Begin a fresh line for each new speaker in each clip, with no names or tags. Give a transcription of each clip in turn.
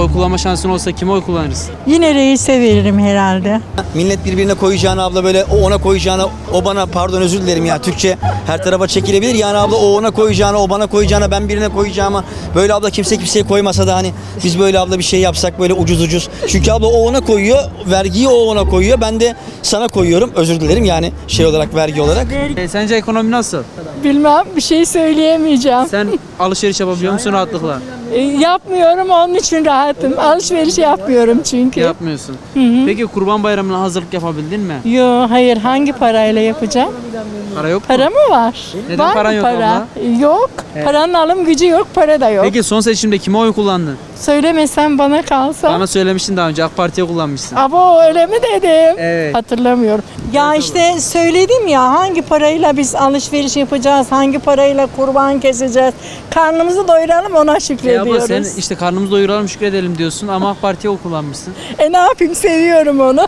oy kullanma şansın olsa kime oy kullanırız?
Yine reise veririm herhalde.
Millet birbirine koyacağını abla böyle o ona koyacağını o bana pardon özür dilerim ya Türkçe her tarafa çekilebilir. Yani abla o ona koyacağını o bana koyacağını ben birine koyacağıma böyle abla kimse kimseye koymasa da hani biz böyle abla bir şey yapsak böyle ucuz. Çünkü abla o ona koyuyor vergiyi o ona koyuyor ben de sana koyuyorum özür dilerim yani şey olarak vergi olarak.
Sence ekonomi nasıl?
Bilmem, bir şey söyleyemeyeceğim.
Sen alışveriş yapabiliyor musun rahatlıkla?
Yapmıyorum, onun için rahatım. Alışveriş yapmıyorum çünkü.
Yapmıyorsun. Peki Kurban Bayramı'na hazırlık yapabildin mi?
Yo, hayır, hangi parayla yapacağım?
Para yok mu?
Para mı var?
Neden
Var
paran
mı
yok
para? Yok.
Evet.
Paranın alım gücü yok, para da yok.
Peki son seçimde kime oy kullandın?
Söylemesen bana kalsa.
Bana söylemiştin daha önce AK Parti'ye kullanmışsın.
Abo öyle mi dedim?
Evet.
Hatırlamıyorum. Ya işte söyledim ya hangi parayla biz alışveriş yapacağız, hangi parayla kurban keseceğiz. Karnımızı doyuralım ona
Abla
şükrediyoruz.
sen işte karnımızı doyuralım şükredelim diyorsun ama AK Parti'ye oy kullanmışsın.
Ne yapayım, seviyorum onu.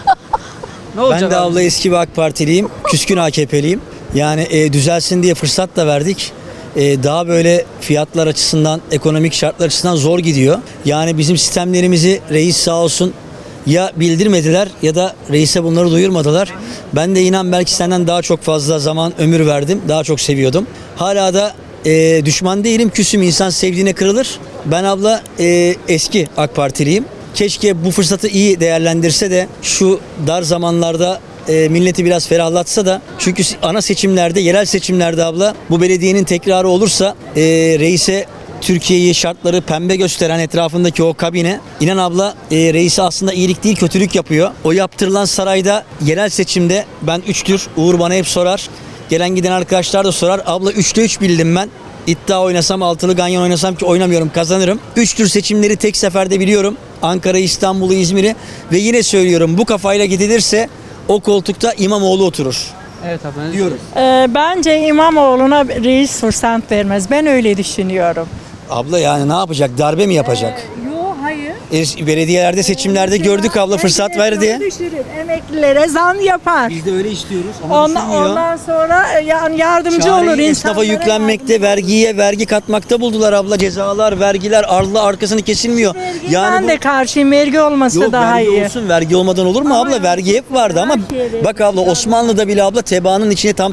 Ne olacak
Ben de
abi?
abla eski bir AK Partiliyim küskün AKP'liyim. Yani düzelsin diye fırsat da verdik. Daha böyle fiyatlar açısından, ekonomik şartlar açısından zor gidiyor. Yani bizim sistemlerimizi reis sağ olsun ya bildirmediler ya da reise bunları duyurmadılar. Ben de inan belki senden daha çok fazla zaman ömür verdim. Daha çok seviyordum. Hala da düşman değilim, küsüm. İnsan sevdiğine kırılır. Ben abla eski AK Partiliyim. Keşke bu fırsatı iyi değerlendirse de şu dar zamanlarda milleti biraz ferahlatsa da çünkü ana seçimlerde, yerel seçimlerde abla bu belediyenin tekrarı olursa reise Türkiye'yi şartları pembe gösteren etrafındaki o kabine inan abla reisi aslında iyilik değil kötülük yapıyor. O yaptırılan sarayda yerel seçimde ben 3'tür Uğur bana hep sorar. Gelen giden arkadaşlar da sorar. Abla 3'te 3 bildim ben. İddia oynasam altılı ganyan oynasam ki oynamıyorum kazanırım. 3 tür seçimleri tek seferde biliyorum. Ankara, İstanbul'u, İzmir'i ve yine söylüyorum bu kafayla gidilirse o koltukta İmamoğlu oturur.
Evet abi.
Diyoruz.
Bence İmamoğlu'na reis fırsat vermez. Ben öyle düşünüyorum.
Abla yani ne yapacak? Darbe mi yapacak?
Yok, hayır.
Belediyelerde seçimlerde gördük abla fırsat verdi.
Düşürür, emeklilere zam yapar.
Biz de öyle istiyoruz ama
Ondan sonra yani yardımcı olur
esnafa
insanlara.
yüklenmekte, vergiye vergi katmakta buldular abla. Cezalar, vergiler, ardı arkasını kesilmiyor.
Ben de karşıyım, vergi olmasa
Yok
daha
vergi
iyi.
olsun, vergi olmadan olur mu abla? Vergi hep vardı ama bak abla Osmanlı'da bile abla tebaanın içine tam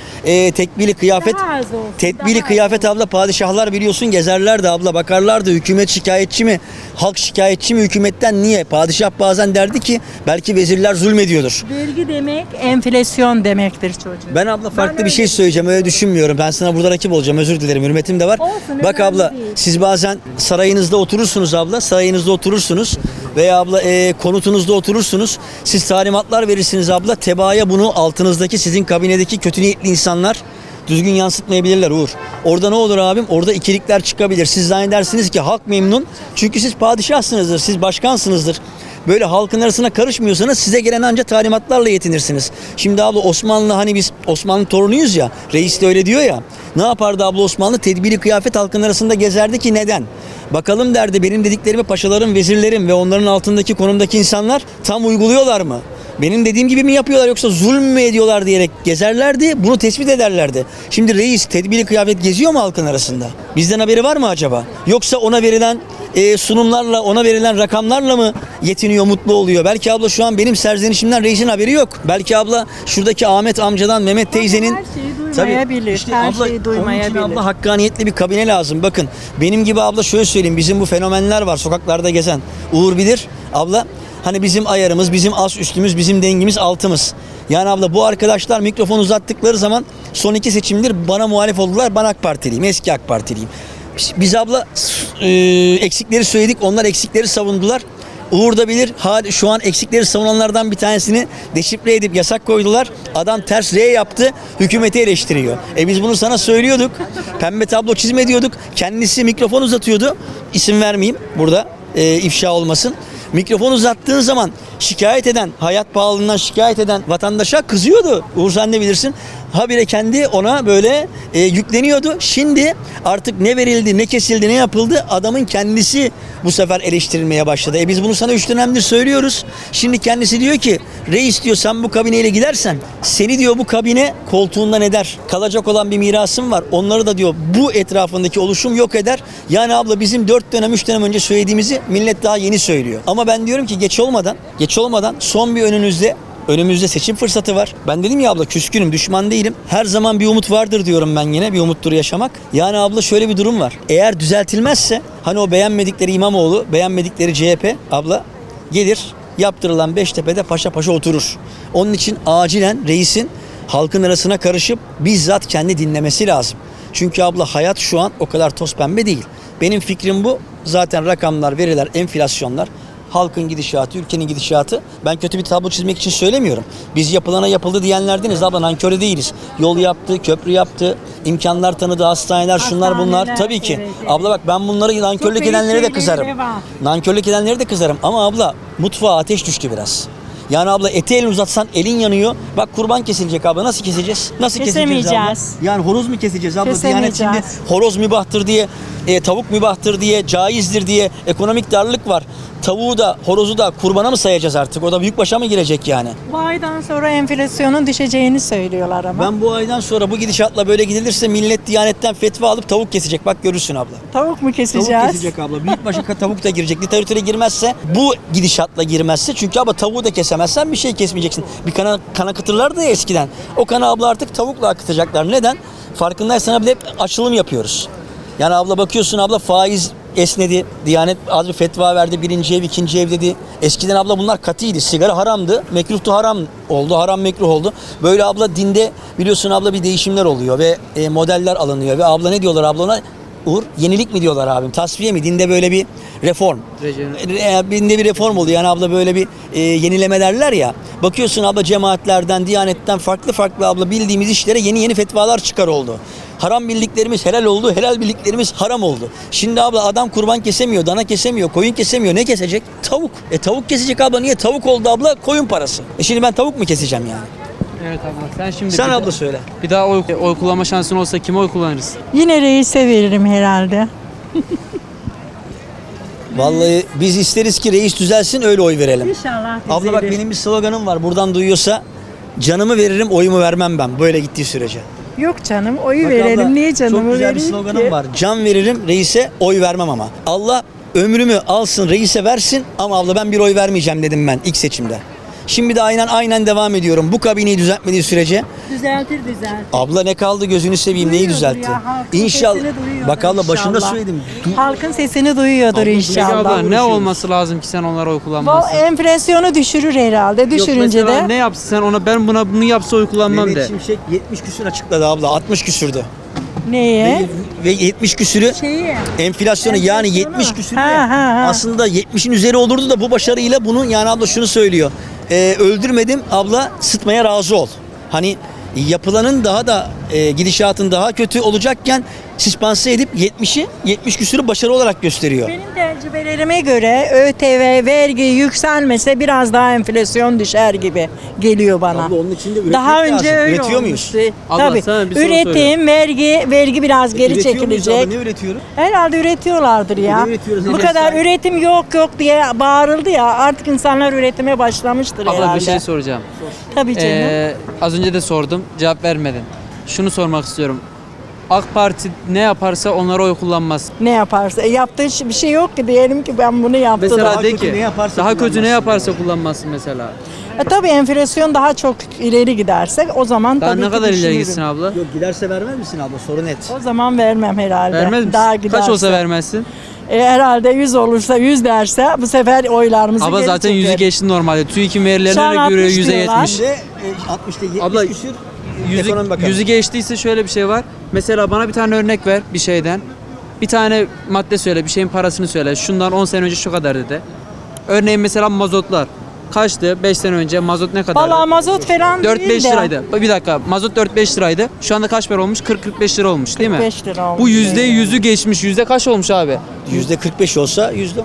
tekbili kıyafet,
Daha az olsun,
tedbili
daha
kıyafet abla padişahlar biliyorsun gezerlerdi abla bakarlardı hükümet şikayetçi mi, halk şikayetçi mi hükümetten niye? Padişah bazen derdi ki belki vezirler zulmediyordur.
Vergi demek enflasyon demektir çocuğum.
Ben abla farklı bir şey söyleyeceğim öyle düşünmüyorum. Ben sana burada rakip olacağım özür dilerim hürmetim de var.
Olsun,
Bak
önemli
abla
değil.
siz bazen sarayınızda oturursunuz abla sarayınızda oturursunuz veya abla konutunuzda oturursunuz. Siz talimatlar verirsiniz abla tebaaya bunu altınızdaki sizin kabinedeki kötü niyetli insanlar düzgün yansıtmayabilirler Uğur. Orada ne olur abim? Orada ikilikler çıkabilir. Siz zannedersiniz ki halk memnun. Çünkü siz padişahsınızdır, siz başkansınızdır. Böyle halkın arasına karışmıyorsanız size gelen ancak talimatlarla yetinirsiniz. Şimdi abla Osmanlı hani biz Osmanlı torunuyuz ya, reis de öyle diyor ya. Ne yapardı abla Osmanlı? Tedbiri kıyafet halkın arasında gezerdi ki neden? Bakalım derdi benim dediklerimi paşalarım, vezirlerim ve onların altındaki konumdaki insanlar tam uyguluyorlar mı? Benim dediğim gibi mi yapıyorlar yoksa zulüm mü ediyorlar diyerek gezerlerdi. Bunu tespit ederlerdi. Şimdi reis tedbiri kıyafet geziyor mu halkın arasında? Bizden haberi var mı acaba? Yoksa ona verilen sunumlarla, ona verilen rakamlarla mı yetiniyor, mutlu oluyor? Belki abla şu an benim serzenişimden reisin haberi yok. Belki abla şuradaki Ahmet amcadan, Mehmet teyzenin...
Her şeyi duymayabilir. Her şeyi duymayabilir.
Onun için abla hakkaniyetli bir kabine lazım. Bakın benim gibi abla şöyle söyleyeyim. Bizim bu fenomenler var sokaklarda gezen. Uğur bilir. Abla hani bizim ayarımız, bizim as üstümüz, bizim dengimiz altımız. Yani abla bu arkadaşlar mikrofon uzattıkları zaman son 2 seçimdir bana muhalif oldular. Ben AK Partiliyim. Eski AK Partiliyim. Biz abla eksikleri söyledik. Onlar eksikleri savundular. Uğur da bilir. Şu an eksikleri savunanlardan bir tanesini deşifre edip yasak koydular. Adam ters R yaptı. Hükümeti eleştiriyor. Biz bunu sana söylüyorduk. Pembe tablo çizme diyorduk. Kendisi mikrofon uzatıyordu. İsim vermeyeyim burada. İfşa olmasın. Mikrofon uzattığın zaman şikayet eden, hayat pahalılığından şikayet eden vatandaşa kızıyordu. Uğur sen de bilirsin. Habire kendi ona böyle yükleniyordu. Şimdi artık ne verildi, ne kesildi, ne yapıldı adamın kendisi bu sefer eleştirilmeye başladı. Biz bunu sana 3 dönemdir söylüyoruz. Şimdi kendisi diyor ki reis diyor sen bu kabineyle gidersen seni diyor bu kabine koltuğundan eder. Kalacak olan bir mirasım var. Onları da diyor bu etrafındaki oluşum yok eder. Yani abla bizim 4 dönem 3 dönem önce söylediğimizi millet daha yeni söylüyor. Ama ben diyorum ki geç olmadan son bir önümüzde seçim fırsatı var. Ben dedim ya abla küskünüm, düşman değilim. Her zaman bir umut vardır diyorum ben yine. Bir umuttur yaşamak. Yani abla şöyle bir durum var. Eğer düzeltilmezse hani o beğenmedikleri İmamoğlu, beğenmedikleri CHP abla gelir yaptırılan Beştepe'de paşa paşa oturur. Onun için acilen reisin halkın arasına karışıp bizzat kendi dinlemesi lazım. Çünkü abla hayat şu an o kadar toz pembe değil. Benim fikrim bu. Zaten rakamlar, veriler, enflasyonlar, halkın gidişatı, ülkenin gidişatı. Ben kötü bir tablo çizmek için söylemiyorum. Biz yapılana yapıldı diyenlerdeniz abla, nankörü değiliz. Yol yaptı, köprü yaptı, imkanlar tanıdı, hastaneler, şunlar bunlar. Tabii ki.
Evet.
Abla bak ben bunları nankörlük
Çok iyi
edenlere de
şeyleri
kızarım.
var.
Nankörlük edenlere de kızarım. Ama abla mutfağa ateş düştü biraz. Yani abla eti elini uzatsan elin yanıyor. Bak kurban kesilecek abla. Nasıl keseceğiz? Nasıl keseceğiz abla?
Kesemeyeceğiz.
Yani horoz mu keseceğiz abla? Diyanet
Kesemeyeceğiz.
şimdi horoz mübahtır diye, tavuk mübahtır diye, caizdir diye ekonomik darlık var. Tavuğu da horozu da kurbana mı sayacağız artık? O da büyükbaşa mı girecek yani?
Bu aydan sonra enflasyonun düşeceğini söylüyorlar ama.
Ben bu aydan sonra bu gidişatla böyle gidilirse millet Diyanet'ten fetva alıp tavuk kesecek. Bak görürsün abla.
Tavuk mu keseceğiz?
Tavuk kesecek abla. Büyükbaşı tavuk da girecek. Literatüre girmezse, bu gidişatla girmezse, çünkü abla tavuğu da kesemezsen bir şey kesmeyeceksin. Bir kan akıtırlardı ya eskiden. O kanı abla artık tavukla akıtacaklar. Neden? Farkındaysan abla hep açılım yapıyoruz. Yani abla bakıyorsun abla faiz esnedi. Diyanet az bir fetva verdi. Birinci ev, ikinci ev dedi. Eskiden abla bunlar katıydı. Sigara haramdı. Mekruhtu, haram oldu. Haram mekruh oldu. Böyle abla dinde biliyorsun abla bir değişimler oluyor ve modeller alınıyor. Ve abla ne diyorlar abla ona? Uğur, yenilik mi diyorlar abim? Tasfiye mi? Dinde böyle bir reform. Dinde bir reform oluyor. Yani abla böyle bir yenileme derler ya. Bakıyorsun abla cemaatlerden, Diyanet'ten farklı abla bildiğimiz işlere yeni fetvalar çıkar oldu. Haram bildiklerimiz helal oldu, helal bildiklerimiz haram oldu. Şimdi abla adam kurban kesemiyor, dana kesemiyor, koyun kesemiyor. Ne kesecek? Tavuk. Tavuk kesecek abla. Niye? Tavuk oldu abla, koyun parası. Şimdi ben tavuk mu keseceğim yani?
Evet abla. Sen şimdi
Sen
bir
abla
de-
söyle.
Bir daha oy kullanma şansın olsa kime oy kullanırız?
Yine reise veririm herhalde.
Vallahi biz isteriz ki reis düzelsin, öyle oy verelim.
İnşallah
Abla bak benim bir sloganım var. Buradan duyuyorsa canımı veririm, oyumu vermem ben. Böyle gittiği sürece.
Yok canım, oyu
Bak
verelim.
abla,
Niye canımı
çok güzel bir
vereyim
sloganım
ki?
var. Can veririm, reise oy vermem ama. Allah ömrümü alsın, reise versin ama abla ben bir oy vermeyeceğim dedim ben ilk seçimde. Şimdi de aynen devam ediyorum. Bu kabineyi düzeltmediği sürece
Düzeltir.
abla ne kaldı gözünü seveyim, neyi
Duyuyordur
düzeltti?
ya, halkın
İnşallah.
sesini duyuyordur
Bak abla başında
inşallah.
söyledim.
Halkın sesini duyuyordur
Abla,
Peki
inşallah.
abla ne
uğraşıyoruz.
olması lazım ki sen onlara oy
Bu
kullanmazsın?
enflasyonu düşürür herhalde.
Yok
Düşürünce
mesela
de
ne yapsın sen ona, ben bunu yapsa oy kullanmam
Mehmet
de.
Şimşek 70 küsür açıkladı abla. 60 küsürdü.
neye?
Ve 70 küsürü
Şeyi.
enflasyonu yani 70 küsür
Ha.
aslında 70'in üzeri olurdu da bu başarıyla bunu, yani abla şunu söylüyor. Öldürmedim abla, sıtmaya razı ol. Hani yapılanın daha da gidişatın daha kötü olacakken süspanse edip 70 küsürü başarı olarak gösteriyor.
Benim tecrübelerime göre ÖTV, vergi yükselmese biraz daha enflasyon düşer gibi geliyor bana.
Abla onun için de üretmek
Daha önce
lazım.
öyle
Üretiyor muyuz?
olmuştu.
Abla,
Tabii.
sana bir soru
Üretim, vergi biraz geri
Üretiyor muyuz abla?
çekilecek.
Ne üretiyoruz?
Herhalde üretiyorlardır ya.
Ne üretiyoruz?
Bu
Ne
kadar
sahip?
üretim yok diye bağırıldı ya. Artık insanlar üretime başlamıştır
Abla
herhalde.
bir şey soracağım.
Tabii canım.
Az önce de sordum, cevap vermedin. Şunu sormak istiyorum. AK Parti ne yaparsa onlara oy kullanmaz.
Ne yaparsa. Yaptığı bir şey yok ki, diyelim ki ben bunu yaptım.
Mesela
Daha
de
kötü
ki
ne yaparsa
daha kötü ne
kullanmazsın
yaparsa kullanmazsın mesela.
Tabii enflasyon daha çok ileri gidersek o zaman
Daha
tabii
ne
ki
kadar ileri
düşünürüm.
gitsin abla?
Yok giderse vermez misin abla? Soru net.
O zaman vermem herhalde.
Vermez misin?
Daha
Kaç
giderse.
olsa vermezsin?
Herhalde 100 olursa, 100 derse bu sefer oylarımızı
Abla
geri
zaten
çeker.
100'ü geçti normalde. TÜİK'in
Şu
verilerine
an
göre
60 diyorlar.
%70.
Şimdi 60'ta 70
Abla,
küsür ekonomi bakanı.
Yüzü geçtiyse şöyle bir şey var. Mesela bana bir tane örnek ver bir şeyden. Bir tane madde söyle, bir şeyin parasını söyle. Şundan 10 sene önce şu kadar dedi. Örneğin mesela mazotlar. Kaçtı? 5 sene önce mazot ne kadardı?
Valla mazot falan değil
4-5
de.
liraydı. Bir dakika. Mazot 4-5 liraydı. Şu anda kaç para olmuş? 40-45 lira olmuş değil mi?
45 lira olmuş.
Bu %100'ü geçmiş. Yüzde kaç olmuş abi?
%45 olsa %10.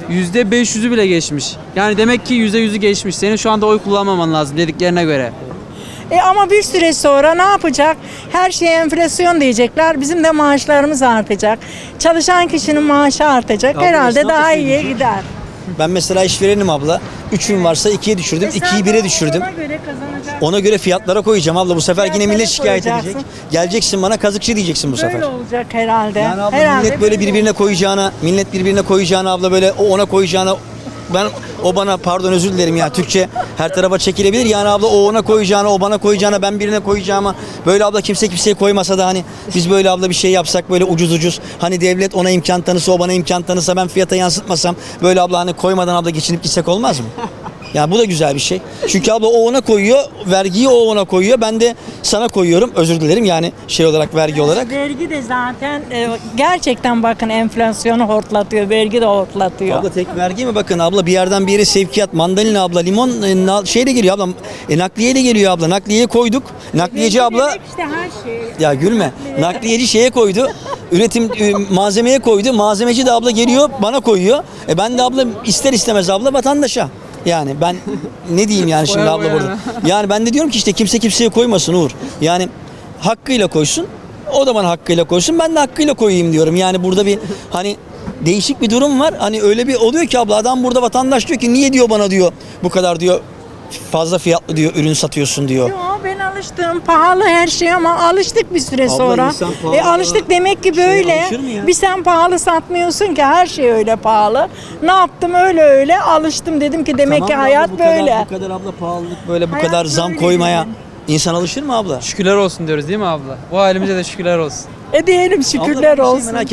%500'ü bile geçmiş. Yani demek ki %100'ü geçmiş. Senin şu anda oy kullanmaman lazım dediklerine göre.
Ama bir süre sonra ne yapacak? Her şeye enflasyon diyecekler. Bizim de maaşlarımız artacak. Çalışan kişinin maaşı artacak.
Abla,
Herhalde
esnaf da
daha
şey
iyiye
diyecek.
gider.
Ben mesela işverenim abla. 3'üm varsa 2'ye düşürdüm. 2'yi 1'e düşürdüm.
Ona göre kazanacak.
Ona göre fiyatlara koyacağım abla. Bu sefer yine
Fiyatlara
millet şikayet
koyacaksın.
edecek. Geleceksin bana kazıkçı diyeceksin bu sefer.
Böyle olacak herhalde.
Yani abla
herhalde
millet böyle
böyle
birbirine koyacağına, millet birbirine koyacağına abla böyle o ona koyacağına o bana pardon özür dilerim ya Türkçe her tarafa çekilebilir. Yani abla o ona koyacağına, o bana koyacağına, ben birine koyacağıma böyle abla kimse kimseye koymasa da hani biz böyle abla bir şey yapsak böyle ucuz hani devlet ona imkan tanısa, o bana imkan tanısa, ben fiyata yansıtmasam böyle abla hani koymadan abla geçinip gitsek olmaz mı? Ya bu da güzel bir şey. Çünkü abla o ona koyuyor, vergiyi o ona koyuyor. Ben de sana koyuyorum. Özür dilerim yani şey olarak vergi olarak.
Vergi de zaten gerçekten bakın enflasyonu hortlatıyor. Vergi de hortlatıyor.
Abla tek vergi mi? Bakın abla bir yerden bir yere sevkiyat, mandalina abla, limon şeyle geliyor abla. Nakliye de geliyor abla. Nakliyeye koyduk. Nakliyeci abla
İşte her şey.
ya gülme. Nakliyeci şeye koydu. Üretim malzemeye koydu. Malzemeci de abla geliyor bana koyuyor. Ben de abla ister istemez abla vatandaşa. Yani ben ne diyeyim yani şimdi
Koya
abla
koya.
burada. Yani ben de diyorum ki işte kimse kimseye koymasın Uğur. Yani hakkıyla koysun. O da bana hakkıyla koysun. Ben de hakkıyla koyayım diyorum. Yani burada bir hani değişik bir durum var. Hani öyle bir oluyor ki abla adam burada vatandaş diyor ki niye diyor bana diyor bu kadar diyor fazla fiyatlı diyor ürün satıyorsun diyor.
Yo, ben alıştım. Pahalı her şey ama alıştık bir süre
Abla,
sonra.
insan pahalı
Alıştık demek ki
şeye
böyle.
alışır mı ya?
Bir sen pahalı satmıyorsun ki her şey öyle pahalı. Ne yaptım öyle alıştım dedim ki demek
Tamam
ki
da
hayat
abla, bu
böyle.
Kadar, bu kadar abla pahalılık böyle bu
Hayat
kadar zam
böyle
koymaya
dedim.
insan alışır mı abla?
Şükürler olsun diyoruz değil mi abla? Bu halimize de şükürler olsun.
Diyelim
Abla, ben bir
şükürler
şey
olsun.
merak